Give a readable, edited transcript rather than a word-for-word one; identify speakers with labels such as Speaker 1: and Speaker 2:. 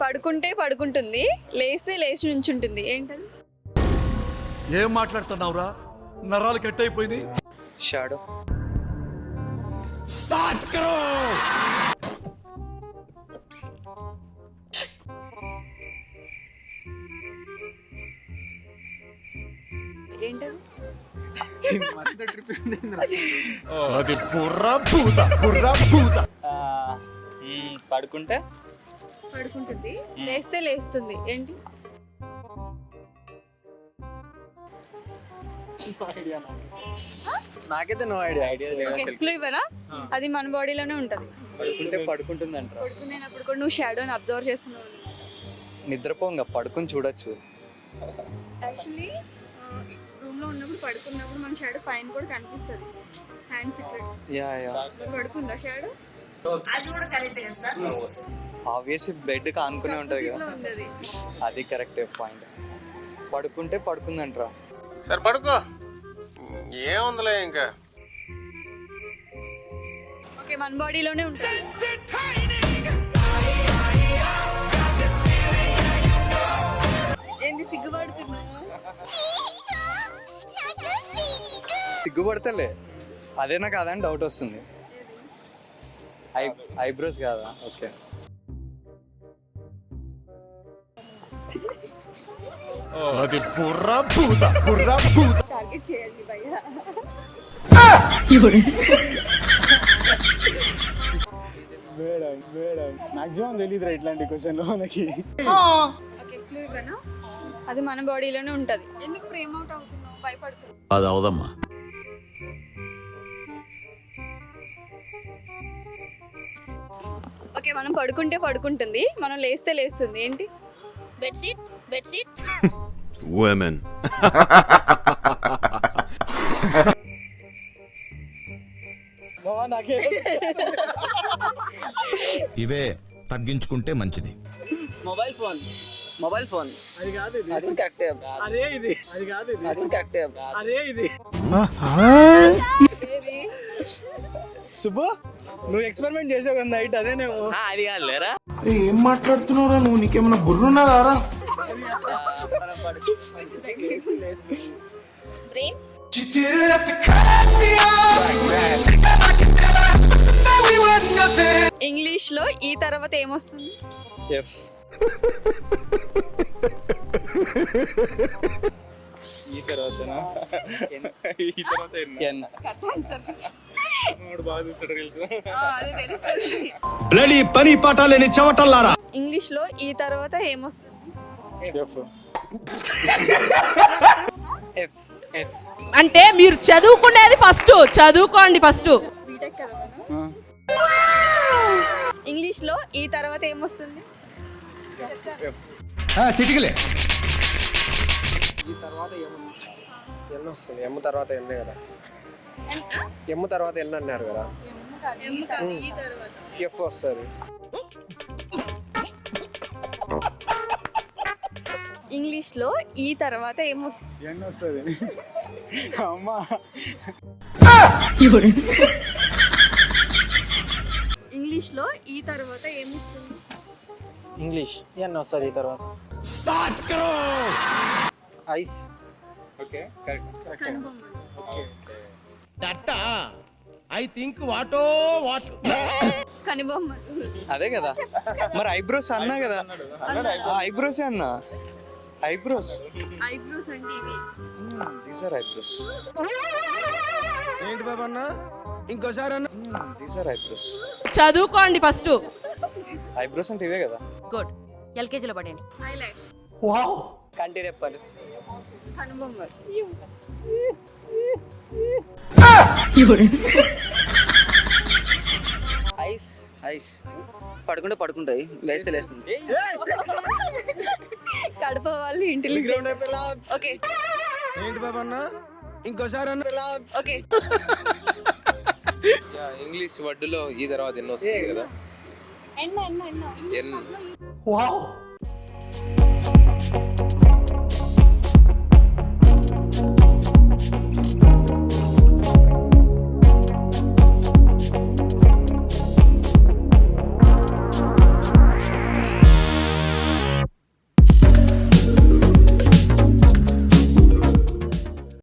Speaker 1: పడుకుంటే పడుకుంటుంది, లేస్తే లేచి నుంచుంటుంది. ఏంటది?
Speaker 2: ఏం మాట్లాడుతున్నావురా? నరాలు కట్ అయిపోయింది.
Speaker 3: షాడో.
Speaker 1: ఏంటది?
Speaker 2: అది బుర్రా భూత.
Speaker 3: పడుకుంటే
Speaker 1: పడుకుంటుంది, లేస్తే లేస్తుంది. ఏంటి?
Speaker 3: నాకైతే నో ఐడియా.
Speaker 1: ఓకే, క్లూ ఇవ్వనా? అది మన బాడీలోనే ఉంటది.
Speaker 3: పడుకుంటే పడుకుంటుంది అంటారా?
Speaker 1: పడుకునేటప్పుడు కూడా నువ్వు షాడోని అబ్జర్వ్ చేస్తున్నావు.
Speaker 3: నిద్రపోంగా పడుకుని చూడొచ్చు.
Speaker 1: యాక్చువల్లీ రూమ్ లో ఉన్నప్పుడు పడుకున్నప్పుడు మన షాడో పైన కూడా కనిపిస్తుంది. హ్యాండ్స్ ఇక్కడ
Speaker 3: యా
Speaker 1: పడుకుందా షాడో?
Speaker 3: ఆబ్వియస్లీ బెడ్ కానుకునే ఉంటది కదా.
Speaker 1: ఉంది అది.
Speaker 3: అది కరెక్టే పాయింట్. పడుకుంటే పడుకుందంటారా?
Speaker 4: సరే పడుకో, ఏముందిలే ఇంకా.
Speaker 1: ఓకే, మన బాడీలోనే ఉంటుంది. ఏంది సిగ్గుపడుతున్నావు?
Speaker 3: సిగ్గుపడతలే, అదేనా కాదా అని డౌట్ వస్తుంది. ఐబ్రోస్ కాదా? ఓకే.
Speaker 2: అది బుర్రా భూత.
Speaker 1: టార్గెట్ చేయండి భయ్యా.
Speaker 5: మేడం మాక్సిమం తెలియదురా ఇట్లాంటి క్వశ్చన్లు మనకి.
Speaker 1: ఓకే, క్లూ ఇవ్వనా? అది మన బాడీలోనే ఉంటది. ఎందుకు ఫ్రేమ్ అవుట్ అవుతున్నావు? భయపడుతున్నావు?
Speaker 2: అది అవదమ్మా.
Speaker 1: ఓకే, మనం పడుకుంటే పడుకుంటుంది, మనం లేస్తే లేస్తుంది. ఏంటి?
Speaker 6: బెడ్షీట్.
Speaker 2: women.
Speaker 7: ఇవే తగ్గించుకుంటే మంచిది.
Speaker 3: Mobile phone.
Speaker 5: అది కాదు ఇది.
Speaker 3: అది కరెక్టే.
Speaker 5: అదే ఇది. అది కాదు ఇది.
Speaker 3: అది కరెక్టే.
Speaker 5: అదే ఇది.
Speaker 1: ఏది?
Speaker 5: సుబ్బు, నువ్వు ఎక్స్పెరిమెంట్ చేసావు కదా నైట్, అదేనేమో.
Speaker 3: అది కాదు లేరా.
Speaker 8: ఏం మాట్లాడుతున్నావురా నువ్వు? నీకేమైనా బుర్రున్నదారా?
Speaker 6: బ్రెయిన్.
Speaker 1: ఇంగ్లీష్ లో ఈ తర్వాత ఏమొస్తుంది?
Speaker 3: ఎఫ్. ఈ తర్వాతనా? ఈ తర్వాత ఎన్. బాగా చూస్తాడు తెలుసు.
Speaker 2: బ్లడీ పని పాఠాలేని చవటల్లారా.
Speaker 1: ఇంగ్లీష్ లో ఈ తర్వాత ఏమొస్తుంది?
Speaker 3: ఎఫ్. ఎఫ్. ఎఫ్.
Speaker 9: అంటే మీరు చదువుకునేది చదువుకోండి ఫస్ట్.
Speaker 1: బీటెక్ కదా మనం. ఇంగ్లీష్ లో ఈ తర్వాత ఏమొస్తుంది?
Speaker 7: చిటికలే.
Speaker 5: ఈ తర్వాత ఎన్ వస్తుంది. ఎమ్ తర్వాత ఎన్నే కదా. ఎమ్ తర్వాత ఎన్ అన్నారు కదా.
Speaker 1: ఈ తర్వాత
Speaker 5: ఎఫ్ వస్తుంది.
Speaker 1: ఇంగ్లీష్ లో ఈ తర్వాత ఏమొస్తుంది?
Speaker 5: ఎన్ వస్తుంది. అమ్మా,
Speaker 1: ఇంగ్లీష్ లో ఈ తర్వాత ఏమొస్తుంది?
Speaker 5: ఇంగ్లీష్ ఎన్ వస్తుంది. ఈ తర్వాత ఐస్.
Speaker 3: Okay correct.
Speaker 1: కనుబొమ్మలు.
Speaker 7: I think what what.
Speaker 1: కనుబొమ్మలు.
Speaker 3: అదే కదా. మరి ఐబ్రోస్ అన్నా కదా. ఐబ్రోసే అన్నా. ఐబ్రోస్.
Speaker 1: ఐబ్రోస్ అంటే ఇవి.
Speaker 3: These are eyebrows.
Speaker 8: ఏంటి బాబా అన్న? ఇంకోసారి అన్న.
Speaker 3: These are eyebrows.
Speaker 9: చదువుకోండి ఫస్ట్.
Speaker 3: ఐబ్రోస్ అంటే ఇవే కదా.
Speaker 6: గుడ్. ఎల్కేజీలో పడండి.
Speaker 1: ఐలాష్.
Speaker 3: కంటి రెప్పలు.
Speaker 1: కనుబొమ్మలు.
Speaker 3: ఐస్. ఐస్. పడుకుంటే పడుకుంటాయి, లేస్తే లేస్తుంది.
Speaker 1: కడప వాళ్ళు ఇంటెలిజెంట్. ఓకే
Speaker 8: ఏంటి బాబా అన్న? ఇంకోసారి అన్న.
Speaker 1: ఓకే.
Speaker 4: ఇంగ్లీష్ వర్డ్లో ఈ తర్వాత ఎన్ని వస్తుంది కదా. ఎన్.
Speaker 8: వావ్.